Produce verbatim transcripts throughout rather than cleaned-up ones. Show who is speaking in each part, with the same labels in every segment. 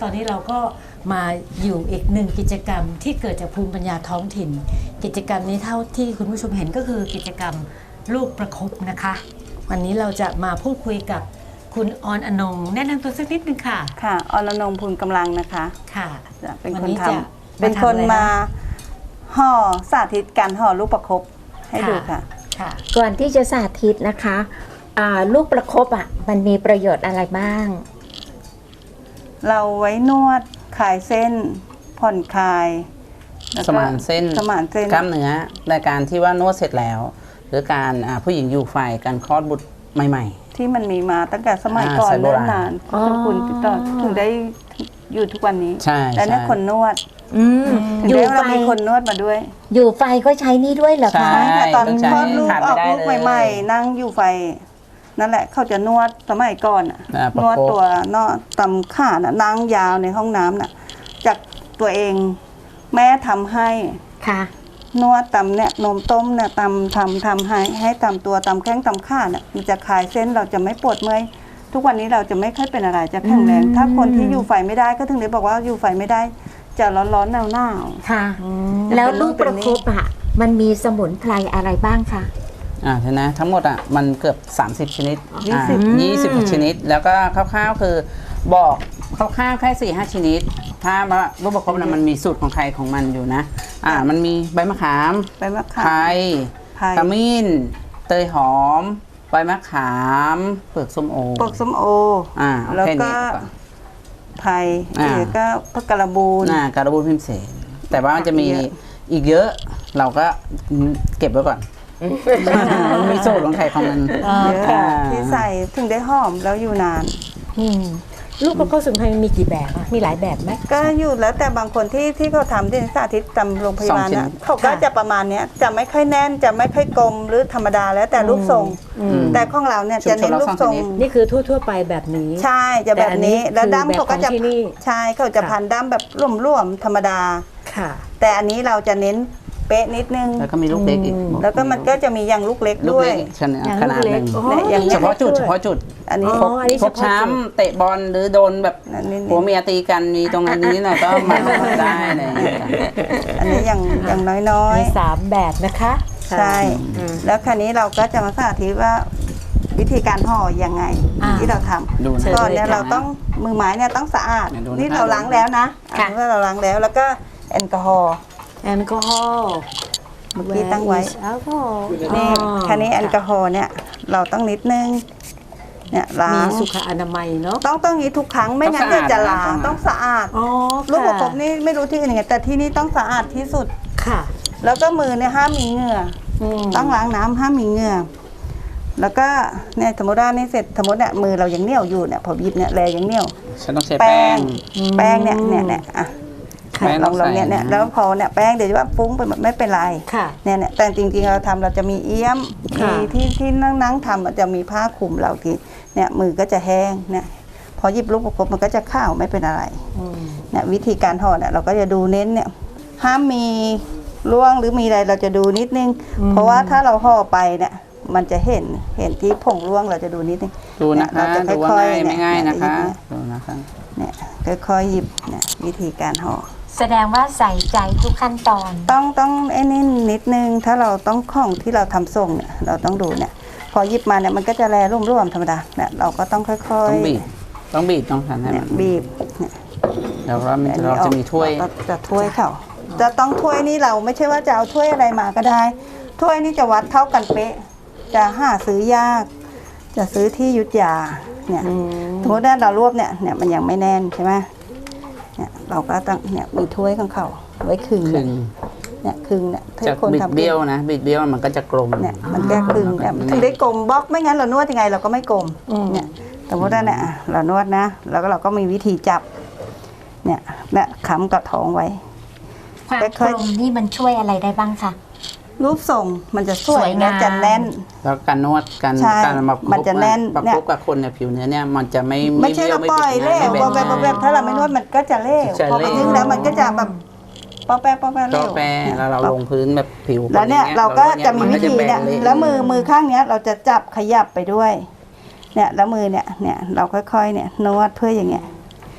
Speaker 1: อนนี้เราก็มาอยู่อีกหนึ่งกิจกรรมที่เกิดจากภูมิปัญญาท้องถิ่น กิจกรรมนี้เท่าที่คุณผู้ชมเห็นก็คือกิจกรรมลูกประคบนะคะ วันนี้เราจะมาพูดคุยกับคุณออนอนงแนะนำตัวสักนิดนึงค่ะ
Speaker 2: ค่ะออนอนงพูนกำลังนะคะ
Speaker 1: ค่ะ
Speaker 2: เป็นคนทำเป็นคนมาห่อสาธิตการห่อลูกประคบให้ดูค่ะ
Speaker 3: ค่ะก่อนที่จะสาธิตนะคะลูกประคบอ่ะมันมีประโยชน์อะไรบ้าง
Speaker 2: เราไว้นวดคลายเส้นผ่อนคลาย
Speaker 4: สมานเส้น
Speaker 2: สมานเส้น
Speaker 4: กล้ามเนื้อในการที่ว่านวดเสร็จแล้วหรือการผู้หญิงอยู่ไฟการคลอดบุตรใหม่
Speaker 2: ๆที่มันมีมาตั้งแต่สมัยก่อนเนิ่นนานคุณต่อถึงได้อยู่ทุกวันนี้และนี่คนนวดอยู่ไฟมีคนนวดมาด้วย
Speaker 3: อยู่ไฟก็ใช้นี่ด้วยเหรอคะ
Speaker 2: ตอนคลอดลูกออกลูกใหม่ๆนั่งอยู่ไฟนั่นแหละเขาจะนวดสมัยก่อนนวดตัวนอตำขาน่ะนั่งยาวในห้องน้ำน่ะจากตัวเองแม่ทำให้
Speaker 3: ค่ะ
Speaker 2: นวดตำเนี่ยนมต้มเนี่ยตำทำทำให้ให้ตำตัวตำแข้งตำขาเนี่ยมันจะคลายเส้นเราจะไม่ปวดเมื่อยทุกวันนี้เราจะไม่ค่อยเป็นอะไรจะแข็งแรงถ้าคนที่อยู่ไฟไม่ได้ก็ถึงได้บอกว่าอยู่ไฟไม่ได้จะร้อนๆหนาว
Speaker 3: ๆค่ะแล้วลูกประคบอ่ะมันมีสมุนไพรอะไรบ้างคะ
Speaker 4: อ่าใช่นะทั้งหมดอ่ะมันเกือบสามสิบชนิดยี่สิบ ยี่สิบชนิดแล้วก็คร่าวๆคือบอกคร่าวๆแค่สี่ห้าชนิดถ้ามาลูกประคบนะมันมีสูตรของใครของมันอยู่นะอ่ามันมีใบมะขาม
Speaker 2: ใบมะขาม
Speaker 4: ไผ่ขมิ้นเตยหอมใบมะขามเปลือกส้มโอ
Speaker 2: เปลือกส้มโอ
Speaker 4: อ่า
Speaker 2: แล้วก็ไผ่แล้วก็พวกกระบูน
Speaker 4: อ่ากระบูนพิมเสนแต่ว่ามันจะมีอีกเยอะเราก็เก็บไว้ก่อนมีสูตรของไข่ของมัน
Speaker 2: เยอะที่ใส่ถึงได้หอมแล้วอยู่นาน
Speaker 1: ลูกประคบสมุนไพรมีกี่แบบมีหลายแบบไหม
Speaker 2: ก็อยู่แล้วแต่บางคนที่ที่เขาทำที่สาธิตตำโรงพยาบาลนะเขาก็จะประมาณนี้จะไม่ค่อยแน่นจะไม่ค่อยกลมหรือธรรมดาแล้วแต่รูปทรงแต่ของเราเนี่ยจะเน้นรูปทรง
Speaker 1: นี่คือทั่วๆไปแบบนี้
Speaker 2: ใช่จะแบบนี้แล้วดั้มเขาก็จะใช่เขาจะพันดั้มแบบร่วมๆธรรมดา
Speaker 1: ค่ะ
Speaker 2: แต่อันนี้เราจะเน้นเป๊ะนิดนึง
Speaker 4: แล้วก็มีลูกเล็กอีก
Speaker 2: แล้วก็มันก็จะมีอย่างลูกเล็กด้วย
Speaker 4: ขนาดหนึ่งเฉพาะจุดเฉพาะจุด
Speaker 2: อันนี้
Speaker 4: พกช้ำเตะบอลหรือโดนแบบผัวเมียตีกันมีตรงนั้นนี้หน่อยก็มาได้เลย
Speaker 2: อันนี้อย่างอย่างน้อย
Speaker 1: ๆมีสามแบบนะคะ
Speaker 2: ใช่แล้วคราวนี้เราก็จะมาสาธิตว่าวิธีการห่อยังไงที่เราทำก่อนเนี่ยเราต้องมือไม้เนี่ยต้องสะอาดนี่เราล้างแล้วนะอันนี้เราล้างแล้วแล้วก็แอลกอฮอล์
Speaker 1: แอลกอฮอล์
Speaker 2: เมื่อกี้ตั้งไว้นี่คันนี้แอลกอฮอล์เนี่ยเราต้องนิดนึงเนี่ยล้าง
Speaker 1: มีสุขอนามัยเนาะ
Speaker 2: ต้องต้องนี้ทุกครั้งไม่งั้นจะล้างต้องสะอาดลูกประคบนี่ไม่รู้ที่อื่นไงแต่ที่นี่ต้องสะอาดที่สุด
Speaker 1: ค่ะ
Speaker 2: แล้วก็มือเนี่ยห้ามมีเหงื่อต้องล้างน้ำห้ามมีเหงื่อแล้วก็เนี่ยสมมติว่านี่เสร็จสมมติเนี่ยมือเรายังเหนียวอยู่เนี่ยพอบีบเนี่ยแรงยังเหนียว
Speaker 4: ฉันต้องใช้แป้ง
Speaker 2: แป้งเนี่ยเนี่ยเนี่ยอ่ะลองลองเนี่ยเนี่ยแล้วพอเนี่ยแป้งเดี๋ยวว่าฟุ้งไปไม่เป็นไรเนี่ยเนี่ยแต่จริงๆเราทำเราจะมีเอี้ยมมีที่ที่นั่งนั่งทำจะมีผ้าคลุมเราทีเนี่ยมือก็จะแห้งเนี่ยพอหยิบลูกประคบมันก็จะข้าวไม่เป็นอะไรเนี่ยวิธีการห่อเนี่ยเราก็จะดูเน้นเนี่ยห้ามมีร่วงหรือมีอะไรเราจะดูนิดนึงเพราะว่าถ้าเราห่อไปเนี่ยมันจะเห็นเห็นที่ผงร่วงเราจะดูนิดนึง
Speaker 4: ดูนะคะดูว่าง่ายไม่ง่ายนะคะดูนะคะ
Speaker 2: เนี่ยค่อยๆหยิบเนี่ยวิธีการห่อ
Speaker 3: แสดงว่าใส่ใจทุกขั้นตอน
Speaker 2: ต้องต้องไอ้นี่นิดนึงถ้าเราต้องของที่เราทำส่งเนี่ยเราต้องดูเนี่ยพอหยิบมาเนี่ยมันก็จะแลร่วมๆธรรมดาเนี่ยเราก็ต้องค่อยๆ
Speaker 4: ต้องบีบต้องบีบต้องทำให้มัน
Speaker 2: บีบเนี่ย
Speaker 4: แล้วเราเราจะมีถ้วย
Speaker 2: จะถ้วยเขาจะต้องถ้วยนี่เราไม่ใช่ว่าจะเอาถ้วยอะไรมาก็ได้ถ้วยนี่จะวัดเท่ากันเป๊ะจะหาซื้อยากจะซื้อที่ยุทธยาเนี่ยสมมติว่าเรารวบเนี่ยเนี่ยมันยังไม่แน่นใช่ไหมเนี่ยเราก็ต้องเนี่ยมีถ้วยของเขาไว้ครึ่งเนี่ยครึ่งเนี่ย
Speaker 4: จะบิดเบี้ยวนะบิดเบี้ยวมันก็จะกลม
Speaker 2: เนี่ยมันแก้ครึ่งเนี่ยถึงได้กลมบล็อกไม่งั้นเรานวดยังไงเราก็ไม่กลมเนี่ยสมมติว่าเนี่ยเรานวดนะแล้วก็เราก็มีวิธีจับเนี่ยเนี่ยค้ำกับท้องไว้
Speaker 3: ความกลมนี่มันช่วยอะไรได้บ้างคะ
Speaker 2: รูปทรงมันจะสวยนะจะแน่น
Speaker 4: แล้วการนวดการการมา
Speaker 2: มันจะแน่น
Speaker 4: ประกบกับคนเนี่ยผิวเนื้อเนี่ยมันจะไม่
Speaker 2: ไม่ใช่เราปล่อยเล่ห์พอแบบแบบถ้าเราไม่นวดมันก็จะเล่ห์พอไปนึงแล้วมันก็จะแบบปอแปะปอแปะเล่ห์
Speaker 4: ปอแปะแล้วเราลงพื้นแบบผิว
Speaker 2: แล้วเนี่ยเราก็จะมีวิธีเนี่ยแล้วมือมือข้างเนี้ยเราจะจับขยับไปด้วยเนี่ยแล้วมือเนี่ยเนี่ยเราค่อยๆเนี่ยนวดเพื่ออย่างเงี้ย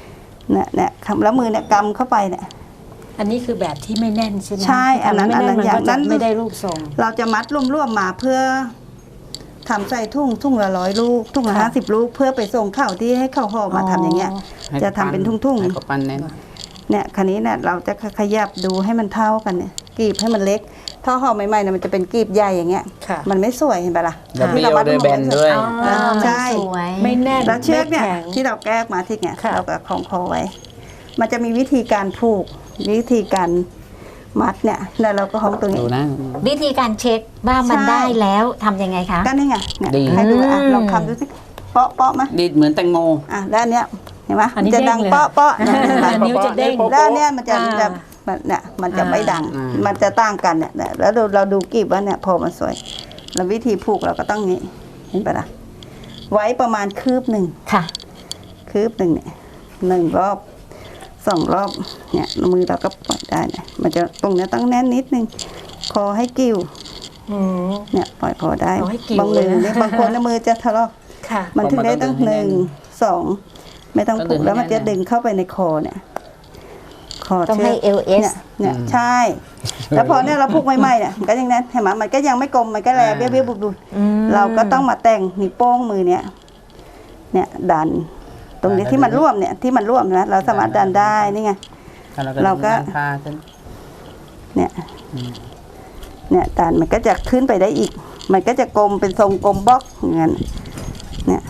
Speaker 2: เนี่ยเนี่ยแล้วมือเนี่ยกำเข้าไปเนี่ย
Speaker 1: อันนี้คือแบบที่ไม่แน่นใช่ไหม
Speaker 2: ใช่อันนั้น
Speaker 1: ไม่
Speaker 2: อัน
Speaker 1: แน่
Speaker 2: นั้น น
Speaker 1: มัน
Speaker 2: อย่า
Speaker 1: ก็
Speaker 2: ง
Speaker 1: จะ
Speaker 2: นั้น
Speaker 1: ไม่ได้รูปทรง
Speaker 2: เราจะมัดรวมๆมาเพื่อทำใส่ทุ่งทุ่งละร้อยลูกทุ่งละ
Speaker 1: ค่ะ
Speaker 2: ห้าสิบลูกเพื่อไปส่งเข้าที่ให้เข้าห่อมาทำอย่างเงี้ย
Speaker 4: ให้
Speaker 2: จะทำเป็นทุ่งๆ
Speaker 4: ให้เขาปั้นแน่น
Speaker 2: เนี่ยคันนี้เนี่ยเราจะขยับดูให้มันเท่ากันเนี่ยกรีบให้มันเล็กถ้าห่อใหม่ๆเนี่ยมันจะเป็นกรีบใหญ่อย่างเงี้ย
Speaker 1: ค่ะ
Speaker 2: มันไม่สวยเห็นปะล่ะ
Speaker 4: แล้วเบี้ยว
Speaker 2: ที่รามั
Speaker 4: ด้วยแบนด้วย
Speaker 3: อ๋อ
Speaker 2: ใช่
Speaker 3: มันสวย
Speaker 1: ไม่แน่น
Speaker 2: แล้วเชือกเนี่ย
Speaker 1: ไม่แข็ง
Speaker 2: ที่เราแก้มาที่เนี่ย
Speaker 1: ค่ะ
Speaker 2: เราก็คล้องคอไว้ มันจะมีวิธีการผูกวิธีการมัดเนี่ยแล้วเราก็คล้องตรงนี้
Speaker 4: ดูนะ
Speaker 3: วิธีการเช็คว่ามัน
Speaker 2: ใช่
Speaker 3: ได้แล้วทำยังไงคะ
Speaker 2: ก็นี่ไงเนี่ย
Speaker 4: ดี
Speaker 2: ให้ดูอ่ะ
Speaker 3: อืม
Speaker 2: ลองทำดูสิเปาะเปาะไหม
Speaker 4: ดีดเหมือนแตงโม
Speaker 2: อ่ะแล้วอันเนี้ยเห็นไหม
Speaker 1: อันนี้
Speaker 2: จะดัง
Speaker 1: เด้งเลย
Speaker 2: เปาะเปาะเนี่ยเห็นไหม
Speaker 1: อันนี้จะเด้ง
Speaker 2: แล้วอันเนี้ยมันจะ
Speaker 1: อ่า
Speaker 2: จะมันเนี่ยมันจะไม่ดัง
Speaker 4: อ่ามั
Speaker 2: มันจะต่างกันเนี่ยเนี่ยแล้วเราเราดูกรีบว่าเนี่ยพอมันสวย แล้ววิธีผูกเราก็ต้องนี้เห็นปะล่ะไว้ประมาณคืบหนึ่ง
Speaker 3: ค่ะ
Speaker 2: คืบหนึ่งเนี่ยหนึ่งรอบสองรอบเนี่ยมือเราก็ปล่อยได้เนี่ยมันจะตรงเนี้ยต้องแน่นนิดนึงคอให้กิ้ว
Speaker 1: อืม
Speaker 2: เนี่ยปล่อยคอได้
Speaker 1: เอาให้กิ้ว
Speaker 2: บางมือ
Speaker 1: เลยนะ
Speaker 2: เนี่ยบางคนเนี่ยมือจะทะเลาะ
Speaker 1: ค่ะ
Speaker 2: มันถึงได้ตั้ง
Speaker 4: เพราะมันต้องดึงให้
Speaker 2: ห
Speaker 4: แน่
Speaker 2: นึ่ง
Speaker 4: น
Speaker 2: สองไม่ต้อง
Speaker 4: ต้อง
Speaker 2: ผูกแล้วมัน
Speaker 4: ดึ
Speaker 2: จะ
Speaker 4: งให้แน่น
Speaker 2: ดึงเข้าไปในคอเนี่ยคอ
Speaker 3: ต้อง
Speaker 2: ชืก
Speaker 3: ให้ เอล เอส
Speaker 2: เนี่ยเนี่ยใช่ แล้วพอเนี่ยเราผูกใหม่ๆเนี่ยมันก็ยังแน่นเห็นไหมมันก็ยังไม่กลมมันก็แลเบี้ยวเบี้ยวบุบบุบเราก็ต้องมาแต่งนิ้วโป้งมือเนี่ยเนี่ยดัน ตรงนี้ที่มันร่วมเนี่ยที่มันร่วมนะเราสามารถดันได้นี่ไง
Speaker 4: แล้ว
Speaker 2: เราก็
Speaker 4: ดึงผ้าขึ้น
Speaker 2: เนี่ยเนี่ยดันมันก็จะขึ้นไปได้อีก มันก็จะกลมเป็นทรงกลมบล็อกอย่างนั้นเนี่ย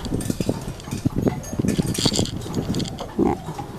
Speaker 2: เนี่ย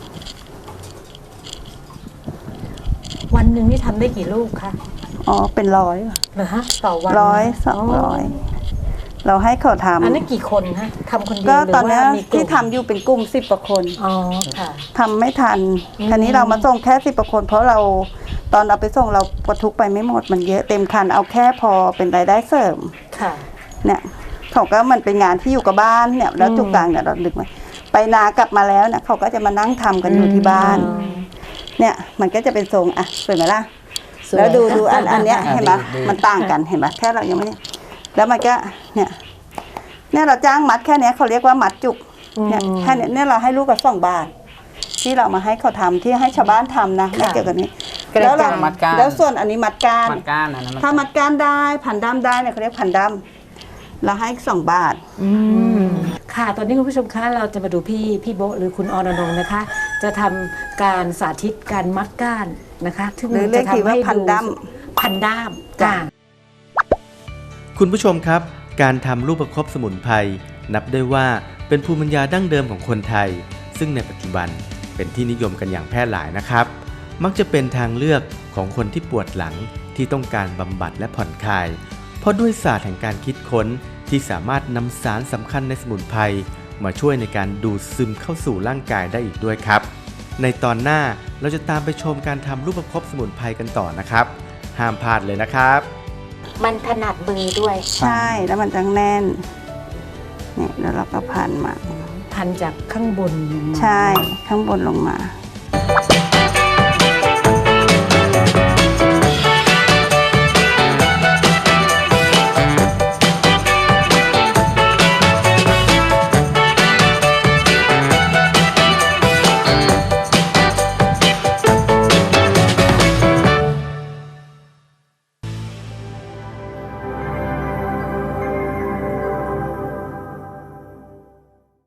Speaker 1: วันหนึ่งนี่ทำได้กี่ลูกคะ
Speaker 2: อ๋อเป็นร้อยว่ะ
Speaker 1: เหรอฮะต่อวัน
Speaker 2: ร้อยสองร้อยเราให้เขาทำ
Speaker 1: อันนี้กี่คนฮะทำคนเดียว
Speaker 2: ก็
Speaker 1: หรือ
Speaker 2: ตอนเนี้ย
Speaker 1: ว่ามีกลุ่ม
Speaker 2: ที่ทำอยู่เป็นกลุ่มสิบกว่าคน
Speaker 1: อ๋อค่ะ
Speaker 2: ทำไม่ทันทีนี้เรามาส่งแค่สิบกว่าคน เพราะเราตอนเราไปส่งเราประทุกไปไม่หมดมันเยอะเต็มคันเอาแค่พอเป็นรายได้เสริม
Speaker 1: ค่ะ
Speaker 2: เนี่ยเขาก็มันเป็นงานที่อยู่กับบ้านเนี่ยแล้วจุกกลางเนี่ยเราดึกมาไปนากลับมาแล้วเนี่ยเขาก็จะมานั่งทำกันอยู่ที่บ้าน
Speaker 1: อืม
Speaker 2: เนี่ยมันก็จะเป็นทรงอ่ะสวยไหมล่ะ
Speaker 1: สวย
Speaker 2: แล้วดูดูอันอันเนี้ย
Speaker 4: อ่ะ
Speaker 2: เห็นไหม
Speaker 4: ดีดี
Speaker 2: มันต่างกันเห็นไหมแค่เรายังไม่ได้แล้วมันก็เนี่ยเนี่ยเราจ้างมัดแค่เนี้ยเขาเรียกว่ามัดจุกเนี่ยแค่เนี้ยเนี่ยเราให้ลูกกับสองบาท ที่เรามาให้เขาทำที่ให้ชาวบ้านทำนะไม่เกี่ยวกับนี้
Speaker 1: กระ
Speaker 2: แล้วเรา
Speaker 1: จาย
Speaker 4: มัดก้าน
Speaker 2: แล้วส่วนอันนี้มัดก้าน
Speaker 4: มัดก้านอันนั้น
Speaker 2: ถ้ามัดก้านได้พันด้ามได้เนี่ยเขาเรียกพันด้ามเราให้สองบาท
Speaker 1: ค่ะ ตอนนี้คุณผู้ชมคะเราจะมาดูพี่พี่โบะหรือคุณอรนงค์นะคะ จะทำการสาธิตการมัดก้านนะคะซึ่ง
Speaker 2: หรือเรียก
Speaker 1: จะ
Speaker 2: ที
Speaker 1: ทำ
Speaker 2: ว่า
Speaker 1: ให้
Speaker 2: พันด้าม
Speaker 1: พันด้าม
Speaker 2: จ้ะ
Speaker 1: จ้ะ
Speaker 5: คุณผู้ชมครับ การทำลูกประคบสมุนไพรนับได้ว่าเป็นภูมิปัญญาดั้งเดิมของคนไทย ซึ่งในปัจจุบันเป็นที่นิยมกันอย่างแพร่หลายนะครับ มักจะเป็นทางเลือกของคนที่ปวดหลังที่ต้องการบำบัดและผ่อนคลาย เพราะด้วยศาสตร์แห่งการคิดค้นที่สามารถนำสารสำคัญในสมุนไพรมาช่วยในการดูดซึมเข้าสู่ร่างกายได้อีกด้วยครับ ในตอนหน้าเราจะตามไปชมการทำลูกประคบสมุนไพรกันต่อนะครับ ห้ามพลาดเลยนะครับ
Speaker 3: มันถนัดมือด้วย
Speaker 2: ใช่แล้วมันจะแน่นเนี่ยแล้วเราก็พันมา
Speaker 1: พันจากข้างบนลงมา
Speaker 2: ใช่ข้างบนลงมา